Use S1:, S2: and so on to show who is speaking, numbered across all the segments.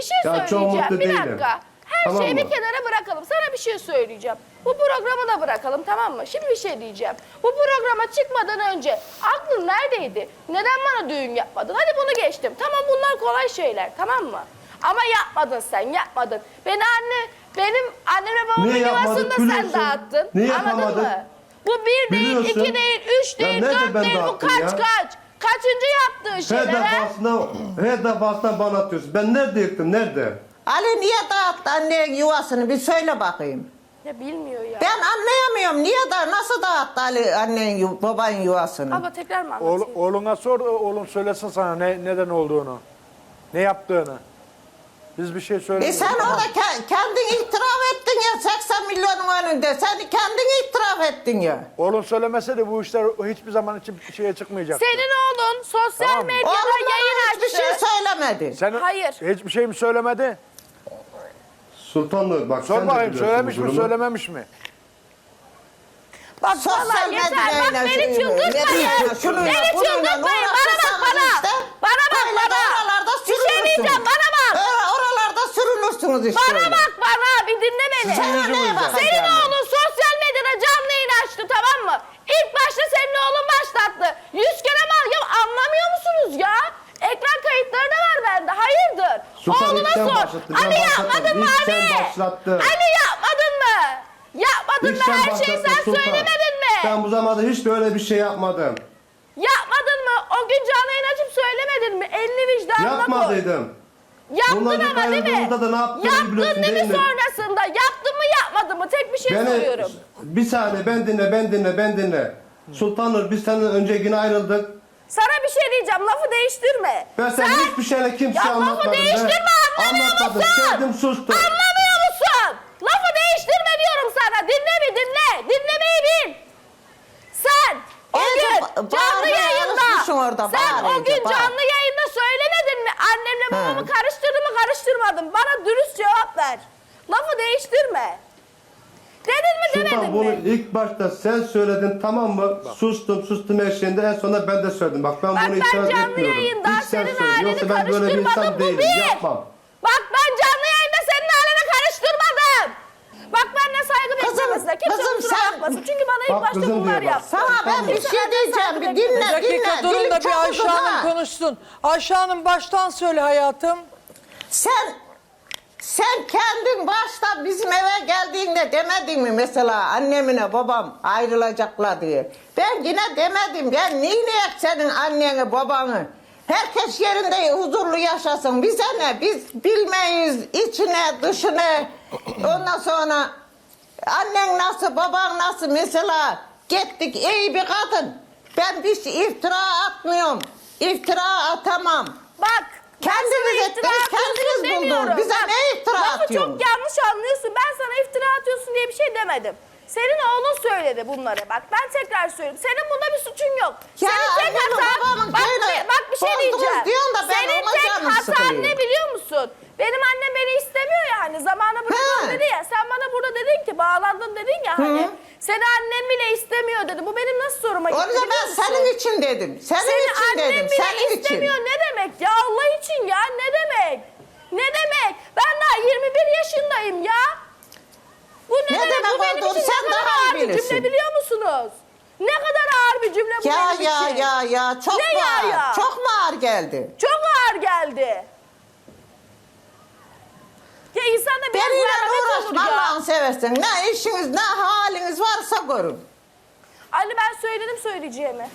S1: şey
S2: Ya çok
S1: söyleyeceğim.
S2: mutlu
S1: Bir
S2: değilim.
S1: dakika. Her
S2: Tamam
S1: şeyi
S2: mı?
S1: bir kenara bırakalım. Sana bir şey söyleyeceğim. Bu programı da bırakalım, tamam mı? Şimdi bir şey diyeceğim. Bu programa çıkmadan önce aklın neredeydi? Neden bana düğün yapmadın? Hadi bunu geçtim. Tamam, bunlar kolay şeyler, tamam mı? Ama yapmadın sen, yapmadın. Benim annemle babamın
S2: Niye
S1: yuvasını
S2: yapmadık
S1: da sen
S2: biliyorsun?
S1: dağıttın.
S2: Niye
S1: Anladın
S2: yapamadık?
S1: mı? Bu bir değil,
S2: Biliyorsun.
S1: iki değil, üç
S2: Ya
S1: değil,
S2: nerede
S1: dört
S2: ben
S1: değil. Bu
S2: dağıttım
S1: kaç
S2: ya?
S1: kaç? Kaçıncı yaptığın şeyler ha?
S2: Her defasında bana atıyorsun. Ben nerede yıktım, nerede?
S3: Ali niye dağıttı annen yuvasını bir söyle bakayım.
S1: Ya bilmiyor ya.
S3: Ben anlayamıyorum nasıl dağıttı Ali annen baban yuvasını.
S1: Abla tekrar mı anlatayım?
S4: Oğluna sor, oğlun söylesin sana neden olduğunu. Ne yaptığını. Biz bir şey söylemiyoruz.
S3: Sen orada kendin itiraf ettin ya 80 milyonun önünde. Sen kendin itiraf ettin ya.
S4: Oğlun söylemese de bu işler hiçbir zaman için şeye çıkmayacaktı.
S1: Senin oğlun sosyal
S4: Tamam mı?
S1: medyada
S3: Oğlum
S1: yayın
S3: bana hiçbir şey
S1: açtı.
S3: söylemedi.
S4: Sen
S1: Hayır.
S4: hiçbir şey mi söylemedi?
S2: Sultanlı bak
S4: Sor
S2: sen de
S4: bakayım
S2: biliyorsun
S4: söylemiş
S2: bu
S4: mi
S2: durumu.
S4: söylememiş mi?
S1: Bak
S3: Sosyal
S1: vallahi yeter. Bak
S3: medyayla
S1: beni çıldırtmayın.
S3: şununla,
S1: Beni
S3: bununla
S1: çıldırtmayın. Bana bak
S3: uğraşırsanız
S1: bana.
S3: işte,
S1: Bana bak
S3: böyle de
S1: bana.
S3: oralarda
S1: Bir şey
S3: sürünürsünüz.
S1: diyeceğim, bana bak.
S3: Oralarda sürünürsünüz işte.
S1: Bana
S3: öyle.
S1: bak bana. Bir dinle beni.
S4: Sizin yüzünüzden.
S3: bakacağım?
S1: Senin oğlun sosyal medyada canlı yayın açtı, tamam mı? İlk başta senin oğlun başlattı. 100 kere mal ya, anlamıyor musunuz ya? Ekran kayıtları da var bende. Hayırdır?
S2: Sultan
S1: Oğluna
S2: ilk sen
S1: sor.
S2: başlattın, ben
S1: Ali
S2: başlatmadım.
S1: yapmadın mı
S2: İlk
S1: Ali?
S2: sen başlattın.
S1: Ali yapmadın mı? Yapmadın
S2: İlk
S1: mı? Her
S2: başlattın
S1: şeyi sen
S2: Sultan.
S1: söylemedin mi?
S2: Ben bu zamanda hiç böyle bir şey yapmadım.
S1: Yapmadın mı? O gün canlı yayın açıp söylemedin mi? Elini vicdanına koy.
S2: Yapmadıydım.
S1: Yaptın
S2: Bunlar bir
S1: ama değil mi?
S2: ayrıldığımızda da ne yaptığını
S1: Yaptın
S2: biliyorsun
S1: değil mi
S2: değil mi?
S1: sonrasında? Yaptın mı yapmadın mı? Tek bir şey soruyorum.
S2: Bir saniye ben dinle. Sultanır biz senden önce yine ayrıldık.
S1: Sana bir şey diyeceğim, lafı değiştirme.
S2: Ben sen hiçbir şeyle kimseye
S1: Ya lafı
S2: anlatmadım.
S1: değiştirme, anlamıyor
S2: Anlatmadım.
S1: musun?
S2: Sevdim sustum.
S1: Anlamıyor musun? Lafı değiştirme diyorum sana. Dinle mi dinle. Dinlemeyi bil. Sen o
S3: İyice
S1: gün canlı
S3: bağırmaya
S1: yayında,
S3: alışmışsın orada,
S1: sen
S3: bağır
S1: o
S3: iyice,
S1: gün
S3: bağır.
S1: canlı yayında söylemedin mi? Annemle babamı
S3: He.
S1: karıştırdı mı karıştırmadım. Bana dürüst cevap ver. Lafı değiştirme. Dedin mi
S2: Sultan
S1: demedin
S2: bunu
S1: mi?
S2: ilk başta sen söyledin tamam mı? Sustum her şeyinde en sonunda ben de söyledim. Bak ben
S1: Bak
S2: bunu
S1: ben
S2: itiraz
S1: canlı
S2: etmiyorum.
S1: yayında
S2: İlk sen
S1: senin
S2: söyle.
S1: aileni
S2: Yoksa ben böyle bir insan
S1: karıştırmadım, bu
S2: değilim.
S1: bir.
S2: Yapmam.
S1: Bak ben canlı yayında senin aileni karıştırmadım. Bak benimle saygı beklemesinler. Kimse
S3: kızım
S1: kusura
S3: sen-
S1: bakmasın. Çünkü bana ilk
S2: Bak
S1: başta
S2: kızım
S1: bunlar
S2: diyor bak.
S1: yaptı.
S3: Sana ben bir
S1: Kimse
S3: şey
S1: benden
S3: diyeceğim.
S1: saygı
S3: Bir
S1: beklemesin.
S3: dinle,
S5: Bir dakika durun
S3: Dilim
S5: da
S3: çok
S5: bir Ayşe
S3: uzun
S5: Hanım
S3: ha.
S5: konuşsun. Ayşe Hanım baştan söyle hayatım.
S3: Sen kendin başta bizim eve geldiğinde demedin mi mesela annemine babam ayrılacaklar diye. Ben yine demedim. Ben niye senin anneni babanı? Herkes yerinde huzurlu yaşasın. Bize ne? Biz bilmeyiz içine dışına. Ondan sonra annen nasıl baban nasıl mesela gittik iyi bir kadın. Ben bir iftira atmıyorum. İftira atamam.
S1: Bak.
S3: Kendiniz
S1: ben sana
S3: ettiniz,
S1: iftira atıyorsun
S3: kendiniz
S1: demiyorum.
S3: buldunuz. Bize
S1: Bak,
S3: ne iftira
S1: lafı
S3: atıyorsun?
S1: çok yanlış anlıyorsun. Ben sana iftira atıyorsun diye bir şey demedim. Senin oğlun söyledi bunları. Bak ben tekrar söylüyorum. Senin bunda bir suçun yok.
S3: Ya
S1: Senin tek
S3: annemin,
S1: hatan...
S3: babamın
S1: Bak,
S3: köyüne
S1: bak bir şey
S3: bozdunuz
S1: diyeceğim.
S3: diyorsun da ben
S1: Senin
S3: ona
S1: tek
S3: canım
S1: hatan
S3: sıkılıyor.
S1: ne biliyor musun? Benim annem beni istemiyor ya hani. Zamanı bırakalım
S3: He.
S1: dedi ya. Sen bana burada dedin ki bağlandın dedin ya hani. Seni annem bile istemiyor dedi. Bu benim nasıl soruma gitti
S3: Onu da
S1: biliyor
S3: ben
S1: musun?
S3: senin için dedim. Senin
S1: Seni
S3: için
S1: annem
S3: dedim.
S1: bile
S3: Senin için.
S1: istemiyor ne demek ya Allah için ya ne demek? Ne demek? Ben daha 21 yaşındayım ya. Bu ne,
S3: Ne
S1: demek?
S3: demek
S1: Bu benim
S3: olduğunu
S1: için
S3: sen
S1: ne kadar
S3: daha iyi
S1: ağır bir cümle
S3: bilirsin.
S1: biliyor musunuz? Ne kadar ağır bir cümle bu
S3: Ya
S1: benim için.
S3: ya çok
S1: Ne
S3: mu
S1: ya
S3: ağır?
S1: ya?
S3: Çok mu ağır geldi?
S1: Çok ağır geldi. Ya insanda biraz
S3: Benimle
S1: merhamet olur
S3: uğraşma
S1: ya.
S3: Allah'ını seversen. Ne işiniz ne haliniz varsa görün.
S1: Anne ben söyledim söyleyeceğimi.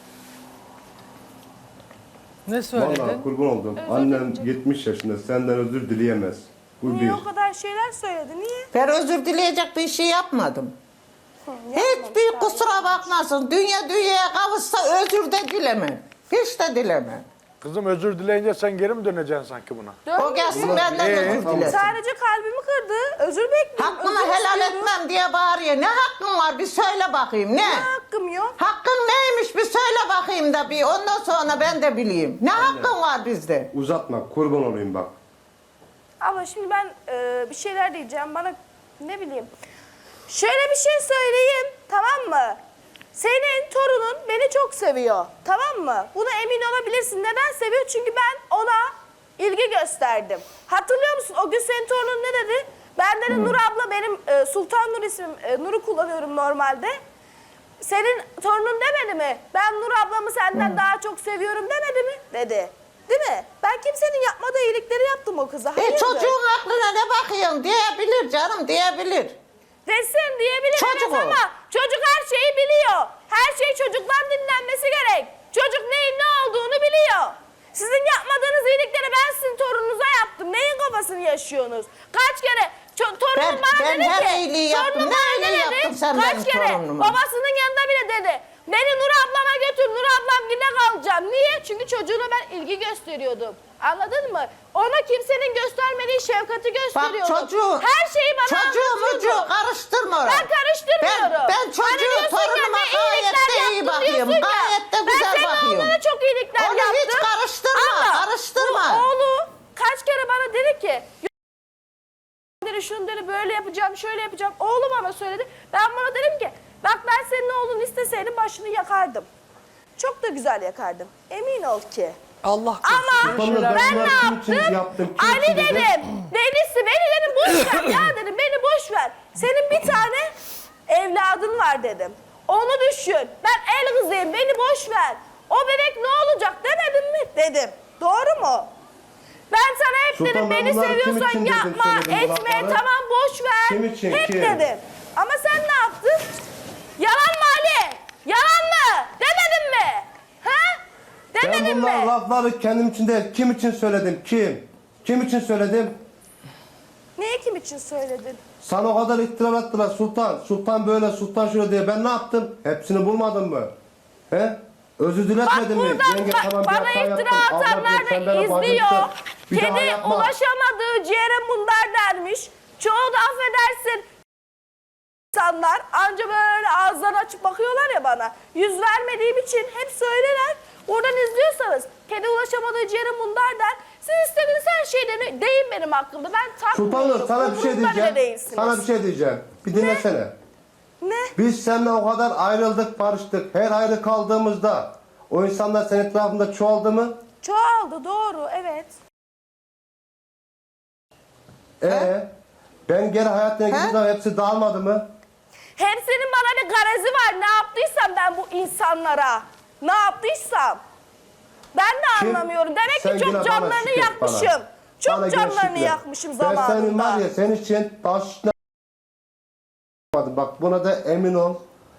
S5: Ne söyledin?
S2: Vallahi kurban oldum. Annem 70 yaşında senden özür dileyemez. Bu
S1: Niye
S2: bir.
S1: o kadar şeyler söyledi? Niye?
S3: Ben özür dileyecek bir şey yapmadım. Hiçbir kusura bakmasın. Dünyaya kavuşsa özür de dileme. Hiç de dileme.
S4: Kızım özür dileyince sen geri mi döneceksin sanki buna?
S3: O gelsin benden özür dilesin.
S1: Sadece kalbimi kırdı. Özür bekliyorum.
S3: Hakkımı
S1: özür
S3: helal
S1: istiyorum.
S3: etmem diye bağırıyor. Ne hakkın var bir söyle bakayım ne?
S1: Ne hakkım yok?
S3: Hakkın neymiş bir söyle bakayım da bir ondan sonra ben de bileyim. Ne hakkın var bizde?
S2: Uzatma kurban olayım bak.
S1: Ama şimdi ben bir şeyler diyeceğim. Bana ne bileyim. Şöyle bir şey söyleyeyim. Tamam mı? Senin torunun beni çok seviyor. Tamam mı? Buna emin olabilirsin. Neden seviyor? Çünkü ben ona ilgi gösterdim. Hatırlıyor musun? O gün senin torunun ne dedi? Ben dedi Nur abla benim Sultan Nur ismim. Nur'u kullanıyorum normalde. Senin torunun demedi mi? Ben Nur ablamı senden daha çok seviyorum demedi mi? Dedi. Değil mi? Ben kimsenin yapmadığı iyilikleri yaptım o kıza. Hayırdır?
S3: Çocuğun aklına ne bakıyorsun diyebilir canım, diyebilir.
S1: Resim diyebilir
S3: Çocuk
S1: evet
S3: o.
S1: ama çocuk her şeyi biliyor. Her şey çocuktan dinlenmesi gerek. Çocuk neyin ne olduğunu biliyor. Sizin yapmadığınız iyilikleri ben sizin torununuza yaptım. Neyin kafasını yaşıyorsunuz? Kaç kere torunum bana
S3: ben
S1: dedi
S3: her
S1: ki.
S3: iyiliği yaptım.
S1: torunum
S3: Ne
S1: bana
S3: iyiliği
S1: dedi,
S3: yaptın sen
S1: kaç
S3: benim
S1: kere
S3: torunuma?
S1: babasının yanında bile dedi. Beni Nur ablama götür, Nur ablam yine kalacağım. Niye? Çünkü çocuğuna ben ilgi gösteriyordum. Anladın mı? Ona kimsenin göstermediği şefkati
S3: Bak
S1: gösteriyordum.
S3: çocuğu,
S1: Her şeyi bana anlatıyordu.
S3: karıştırma oraya.
S1: Ben karıştırmıyorum.
S3: Ben çocuğu,
S1: diyorsun ya,
S3: torunuma
S1: ne
S3: gayet
S1: iyilikler
S3: de iyi
S1: yaptın
S3: bakıyorum.
S1: diyorsun ya.
S3: Gayet de güzel
S1: Ben senin
S3: bakıyorum.
S1: oğluna çok iyilikler
S3: Onu
S1: yaptım.
S3: hiç karıştırma,
S1: Ama
S3: karıştırma.
S1: bu oğlu kaç kere bana dedi ki dedi, şunu dedi böyle yapacağım, şöyle yapacağım. Oğlu bana söyledi. Ben bana dedim ki bak ben senin oğlunu isteseydim başını yakardım. Çok da güzel yakardım. Emin ol ki.
S5: Allah
S1: Ama
S5: korusun.
S2: Bana
S1: ben
S2: bunlar
S1: ne
S2: kim için
S1: yaptım?
S2: yaptım, kim
S1: Ali
S2: için dedim.
S1: dedim. Delisi beni dedim boş ver ya dedim. Beni boş ver. Senin bir tane evladın var dedim. Onu düşün. Ben el kızıyım. Beni boş ver. O bebek ne olacak demedim mi? Dedim. Doğru mu? Ben sana hep
S2: Sultan,
S1: dedim
S2: ben
S1: beni
S2: bunları kim
S1: seviyorsan
S2: için dedim,
S1: yapma,
S2: söyledim bu
S1: etme,
S2: lafları?
S1: tamam boş ver.
S2: Kim için,
S1: Hep
S2: kim?
S1: dedim. Ama sen ne yaptın? Yalan mı Ali? Yalan mı? Demedin mi? Ha?
S2: Ben
S1: Demedin
S2: bunlar
S1: mi?
S2: lafları kendim için değil, kim için söyledim, kim? Kim için söyledim?
S1: Neyi kim için söyledin?
S2: Sana o kadar iftira attılar Sultan. Sultan böyle, Sultan şöyle diye. Ben ne yaptım? Hepsini bulmadın mı? He? Özür diletmedin mi?
S1: Buradan
S2: Yenge, tamam, bir
S1: bana
S2: hata
S1: iftira
S2: yaptım. Allah
S1: atanlar
S2: bilir, sen
S1: da
S2: bana
S1: izliyor.
S2: bacımsın. Bir daha
S1: Kedi
S2: yapma.
S1: ulaşamadığı ciğere mundar dermiş. Çoğu da affedersin. İnsanlar anca böyle ağızlarını açıp bakıyorlar ya bana. Yüz vermediğim için hep söylerler. Oradan izliyorsanız kedi ulaşamadığı ciğere mundar der. Siz istediğiniz her şeyden deyin benim hakkımda. Ben takmıyorum.
S2: Sultanım, sana bir şey
S1: Umurumda bile
S2: diyeceğim.
S1: değilsiniz.
S2: Sana bir şey diyeceğim. Bir dinlesene.
S1: Ne?
S2: Biz seninle o kadar ayrıldık, barıştık. Her ayrı kaldığımızda o insanlar senin etrafında çoğaldı mı?
S1: Çoğaldı doğru evet.
S2: Ben geri hayatına gittiğim zaman hepsi dağılmadı mı?
S1: Hepsinin bana bir garezi var. Ne yaptıysam ben bu insanlara. Ne yaptıysam. Ben de
S2: Kim?
S1: anlamıyorum. Demek
S2: Sen
S1: ki
S2: yine
S1: çok
S2: bana
S1: canlarını
S2: şükret
S1: yakmışım.
S2: bana.
S1: Çok
S2: Bana
S1: canlarını
S2: gel
S1: yakmışım
S2: şükret. Ben senin var
S1: zamanında.
S2: ya, senin için taşına bak, buna da emin ol.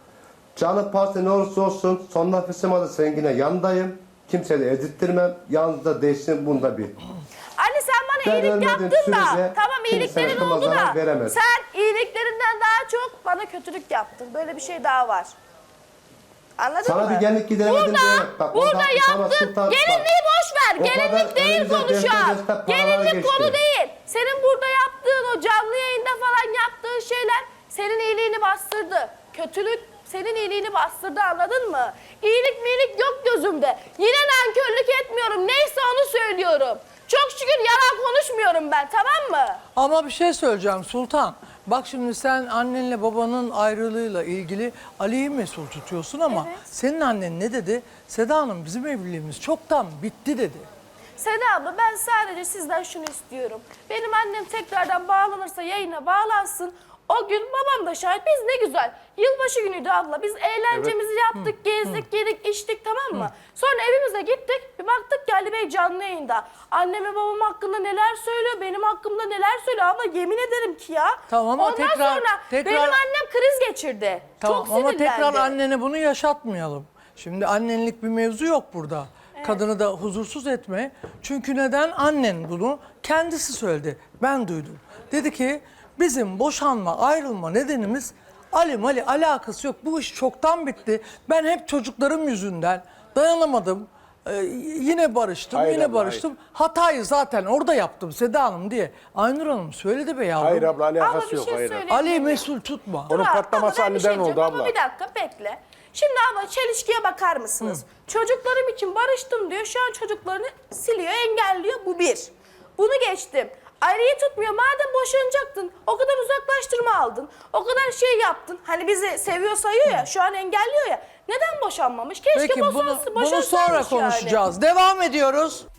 S2: Canı pahası ne olursa olsun son nefesim adı sen yine yanındayım. Kimseye de ezittirmem. Yalnızda değilsin, bunda bir.
S1: Anne sen bana
S2: Ben
S1: iyilik
S2: ölmediğim
S1: yaptın da.
S2: sürece
S1: Tamam
S2: kimse
S1: iyiliklerin
S2: aklıma
S1: oldu
S2: zarar
S1: da.
S2: veremez.
S1: Sen iyiliklerinden daha çok bana kötülük yaptın. Böyle bir şey daha var. Anladın
S2: Sana
S1: mı?
S2: bir gelinlik gidemedim
S1: Burada,
S2: diye. Bak,
S1: burada
S2: orada sana
S1: yaptın.
S2: Sultan-
S1: Gelinliği boş ver.
S2: O kadar
S1: Gelinlik değil
S2: önümüze
S1: konu şu
S2: deste
S1: an.
S2: deste paralar
S1: Gelinlik
S2: geçti.
S1: konu değil. Senin burada yaptığın o canlı yayında falan yaptığın şeyler senin iyiliğini bastırdı. Kötülük senin iyiliğini bastırdı, anladın mı? İyilik miyilik yok gözümde. Yine nankörlük etmiyorum. Neyse onu söylüyorum. Çok şükür yalan konuşmuyorum ben, tamam mı?
S5: Ama bir şey söyleyeceğim Sultan. Bak şimdi sen annenle babanın ayrılığıyla ilgili Ali'yi mesul tutuyorsun ama
S1: Evet.
S5: senin annen ne dedi? Seda Hanım bizim evliliğimiz çoktan bitti dedi.
S1: Seda abla ben sadece sizden şunu istiyorum. Benim annem tekrardan bağlanırsa yayına bağlansın. O gün babam da şahit. Biz ne güzel. Yılbaşı günüydü abla. Biz eğlencemizi yaptık, gezdik, yedik, içtik, tamam mı? Sonra evimize gittik. Bir baktık ki Ali Bey canlı yayında. Annem ve babam hakkında neler söylüyor, benim hakkımda neler söylüyor. Abla yemin ederim ki ya.
S5: Tamam ama
S1: Ondan
S5: tekrar-
S1: sonra
S5: tekrar-
S1: benim annem kriz geçirdi.
S5: Tamam
S1: Çok
S5: ama
S1: sinirlendi.
S5: tekrar annene bunu yaşatmayalım. Şimdi annenlik bir mevzu yok burada. Kadını da huzursuz etme. Çünkü neden? Annen bunu kendisi söyledi. Ben duydum. Dedi ki bizim boşanma, ayrılma nedenimiz Ali alakası yok. Bu iş çoktan bitti. Ben hep çocuklarım yüzünden dayanamadım. Yine barıştım,
S4: Hayır
S5: yine
S4: abla,
S5: barıştım. Hatayı zaten orada yaptım Seda Hanım diye. Aynur Hanım söyledi be yavrum.
S4: Hayır abla,
S1: Abla
S4: alakası
S1: bir
S4: yok.
S1: şey
S4: Hayır.
S1: söyleyeyim.
S5: Ali'yi mesul tutma.
S4: Onun
S1: Dur,
S4: patlaması
S1: abla, ben bir
S4: Ali'den oldu
S1: diyeceğim ama
S4: abla.
S1: Bir dakika bekle. Şimdi abla çelişkiye bakar mısınız? Çocuklarım için barıştım diyor. Şu an çocuklarını siliyor, engelliyor. Bu bir. Bunu geçtim. Ali'yi tutmuyor. Madem boşanacaktın, o kadar uzaklaştırma aldın. O kadar şey yaptın. Hani bizi seviyor sayıyor ya, şu an engelliyor ya. Neden boşanmamış? Keşke
S5: Peki bunu
S1: boşansaymış
S5: sonra
S1: yani.
S5: konuşacağız. Devam ediyoruz.